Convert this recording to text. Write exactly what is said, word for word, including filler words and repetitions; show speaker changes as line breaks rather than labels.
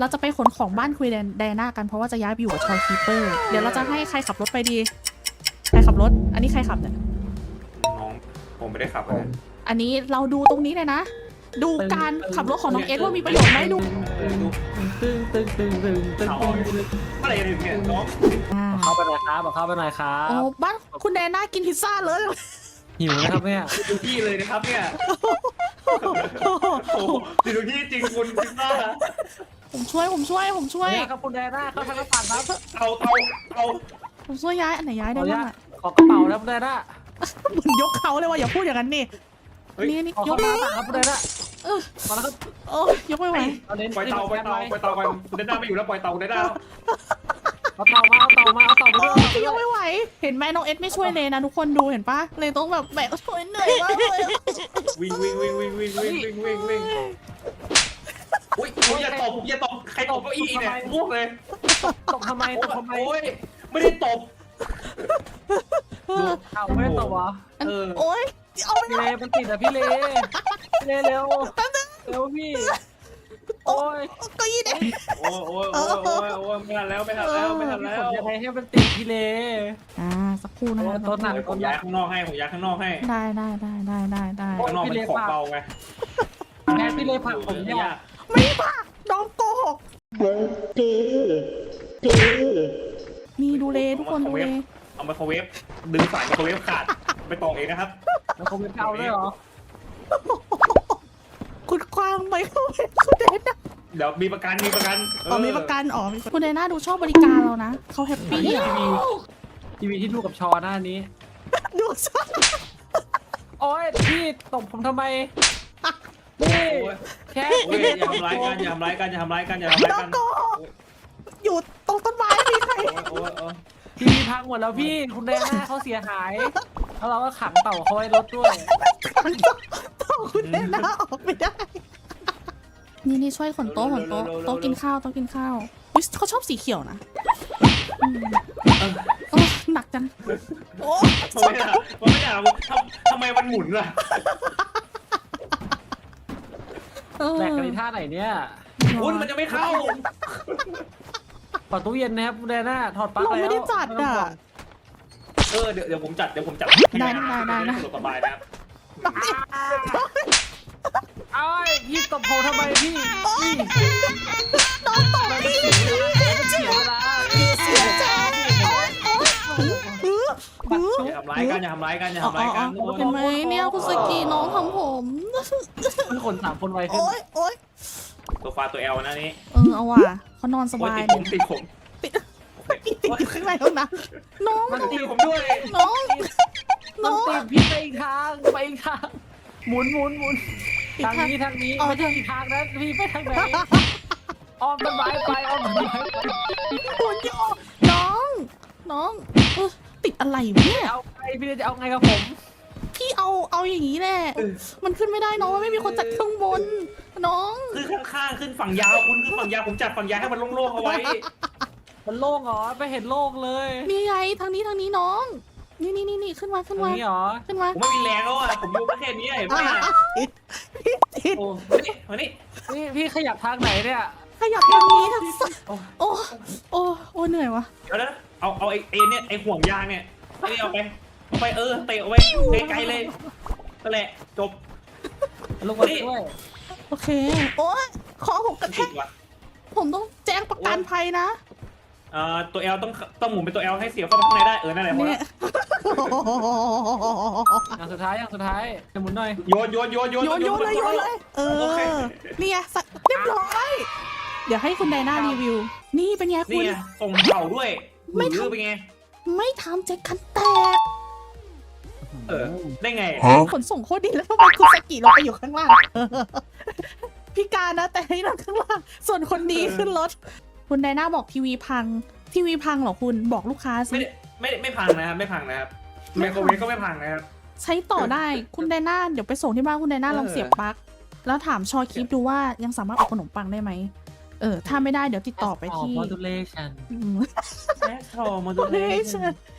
เราจะไปขนของบ้านคุยแดน่ากันเพราะว่าจะย้ายไปอยู่กับชอยคีเปอร์เดี๋ยวเราจะให้ใครขับรถไปดีใครขับรถอันนี้ใครขับเนี่ย
น้องผมไม่ได้ขับเลย
อันนี้เราดูตรงนี้เลยนะ ดูการขับรถของน้องเอสว่ามีประโยชน์ไหมดู
ตึงตึงตึงตึงตึง
เขาอะไรกันเนี่ยน้อง
อ่า
เข้าไปหน่อยครับเข้าไปหน่อยครั
โอ้
บ
บ้านคุณแดน่ากินพิซซ่าเลย
หิวนะครับเนี่ย
ดูที่เลยนะครับเนี่ยโอ้โหดูที่จริงคุณพิซซ่า
ผมช่วยผมช่วยผมช่วย
เนี่ยครับคุณแดน่าเข้าทางกระเป๋าครับ
เอาเอาเอา
ผมช่วยย้ายอันไหนย้ายได้บ้างอะ
ขอกระเป๋าแล้วคุณแดน่า
เหมือนยกเขาเลยว่าอย่าพูดอย่างนั้นนี่นี่นี่
ขอย
ก
เข้ามาครับคุณแดน่า
เออ
มาแล้วครับ
โอ้ยกไม่ไหว
เอาเลน
ปล่อยเตาปล่อยเตาปล่อยเตาไปคุณได้หน้าไม่อยู่แล้วปล่อยเตาได้หน้า
เอาเต่ามาเอาเต่ามาเอาเต่ามาด้วย
ยกไม่ไหวเห็นไหมน้องเอสไม่ช่วยเลยนะทุกคนดูเห็นปะเลยต้องแบบแบกช่วยเหนื่อยมากเลย
วิ่งวิ่งวิ่งวิ่งวิ่งวิ่งวิ่งวิ่งวิ่งอุ้ยอุ้ยอย่าตบอย่าตบใครตบเก้าอี้เนี่ยพวกเลย
ตกทำไมตกทำไม
โอ้ยไม่ได้ตบ
เอาไม่ได้ตกเหรอ
อัน
เออ
โอ๊ยเอาไม่
พี่
ได้
เลมันติดอะพี่เลพี่เลเร็วเร็วพี่โอ้ย
ก็ยี่เด็ก
โอ้ยโอ้ยโอ้ยโอ้ยโอ้ยไม่ทันแล้วไม่ทันแล้วไม่ทันแล้ว
ยังไงให้มันติดพี่เล
อ่าสักครู่นะ
โอ้
คะ
ต้นหนัก
ผมย้ายข้างนอกให้ผมย้ายข้างนอกให้
ได้ได้ได้ได้ได้ได้
ข้างนอกมันของเบาไง
แม่พี่เลผลักผมเนี่ย
ไม่ปะน้องโกหกนี่ดูเลยทุกคนดูเลย
เอาไมโครเวฟดึงสายไมโครเวฟขาดไปตอกเองนะครับ
แล้วเขาเป็นเก่าด้วยเหรอ
คุณควางไหมคุณคุณเดน่า
เดี๋ยวมีประกันมีประกัน
อ๋อมีประกันอ๋อมีประกันคุณเดน่าดูชอบบริการเรานะเขาแฮปปี้
ที
อ่ะ
วีทีวีที่ดูกับชอหน้านี้
ดูชอบ
โอ้ยพี่ตบผมทำไมนี่แค่
โอ้ยอย่าทำร้ายกันอย่าทำร้ายกันอย่าทำร้ายกันอย่าทำร้าย
น้อง
กัน
โกหกอยู่ตรงต้นไม้มีใคร
โอ้ยโอ้ย
ทีวีพังหมดแล้วพี่คุณแดงหน้าเขาเสียหายแล้วเราก็ขังเต่าเขาไว้รถด้วย
มันต้องต้องคุณเดน่าออกไม่ได้ นี่นี่ช่วยขนโต๊ะขนโต๊ะโต๊ะกินข้าวโต๊ะกินข้าวอุ๊ยเขาชอบสีเขียวนะอืมโอ้หนักจังโอ้
ทำไมอ่ะทำไมอ่ะทำทำไมมันหมุนล่ะ
เออ
แบกกันในท่าไหนเนี่ย
คุณมันจะไม่เข้า
เปิดตู้เย็นนะครับคุณแดงหน้าถอดปลั๊ก
เรา
แล้ว
ไม่ได้จัดอ่ะ
เออเดี๋ยวเดี๋ยวผมจัดเดี๋ยวผมจัด
ได้ได้ได้ได้
สบายนะครับ
เอ้ยพี่ตบผมทำไมพี่พี่
น้องตก
มัน
พี่
เสียเวลามันเสียเวลา
เสียใจโอ๊ยโอ๊ยอื้ออื้อ
อย่าทำร้ายกันอย่าทำร้ายกันอย่าทำร้ายกัน
เห็นไหมเนี่ยคุณสกีน้องทำผม
มันขนสามคนไวขึ้น
โอ๊ยโอ๊ย
ตัวฟาตัวแอลนะนี่
เออเอาว่ะเขานอนส
โอ้ย
บาย
ติดผมติดผม
ติดติดอยู่ข้างในแล้วนะน้อง
มันติดผมด้วย
น้อง
มั
น้
น
อง
ติดพี่ไปอีกทางไปอีกทางหมุนหมุนหมุนทางนี้ทางนี้ไม่ใช่อีกทางนะพี่ไปทางไหนอ้อมต้นไม้ไปอ้อมต้นไม้ไป
คุณโยน้องน้องเออติดอะไรวะเนี่ย
เอาไงพี่จะเอาไงกับผม
พี่เอาเอาอย่างนี้แหละมันขึ้นไม่ได้น้องมันไม่มีคนจัดข้างบน น้อง
คือข้างๆขึ้นฝั่งยาวคุณขึ้นฝั่งยาวผมจัดฝั่งยาวให้มันโล่งๆเอาไว้
มันโล่งเหรอไปเห็นโล่งเลย
นี่ไงทางนี้ทางนี้น้อง นี่นี่นี่นี่ขึ้นมาขึ้น
ตรง
มา
นี้เหรอ
ขึ้นมา
ผมไม่มีแรงแล้วอ่ะผมอยู่แค่นี้เห็นไหม
ติดพี่ติด
โอ้มานี่มานี่
พี่พี่ขยับทางไหนเนี่ย
ขยับทางนี้ทางซ้ายโอ้โอ้โอ้เหนื่อยวะ
เดี๋ยวนะเอาเอาไอ้ไอ้เนี่ยไอ้ห่วงยางเนี่ยไอ้นี่เอาไปเอาไปเออเตะเอาไว้ไกลๆเลยนั่นแหละจบ
ลงมาด้วย
โอเคโอ้ยคอผมกระแท
ติ
ก
ดว่ะ
ผมต้องแจ้งประกันภัยนะ
เอ่อตัวแอลต้องต้องหมุนเป็นตัวแอลให้เสียบเข้าไปข้างในได้เออนั่นแหละพอ
เนี่
แล้
ยว
อย่างสุดท้ายอย่างสุดท้ายจะหมุนหน่อย
โยนโยนโยนโยน
โยนโยนเลยโยนเลย เอ
โอเค
อนี่ไงสักเรียบร้อยเดี๋ยวให้คุณไดน่ารีวิว นี่เป็นไง
นี่
คุณ
ไงส่งเข่าด้วย
ไม่
ห
ทำ
รือเป็นไง
ไม่ทำเจ็คคันแตก
เออได้ไง
ขนส่งโคตรดีแล้วทำไมคุณสกิเราไปอยู่ข้างล่างพิการนะแต่ให้นั่งข้างล่างส่วนคนดีขึ้นรถคุณไดน่าบอกทีวีพังทีวีพังเหรอคุณบอกลูกค้า
ไม่
สิ
ได้ไม่ได้ไม่พังนะครับไม่พังนะครับไมโครเวฟก็ไม่พังนะครับ
ใช้ต่อได้คุณไดน่าเดี๋ยวไปส่งที่บ้านคุณไดน่า
เออ
ลองเสียบปลั๊กแล้วถามชอคลิปดูว่ายังสามารถออกขนมปังได้ไหมเออถ้าไม่ได้เดี๋ยวติดต่อไปที่
modulation
อืม
แอสโทรโมดูเล
เฮ้ย
ชั่น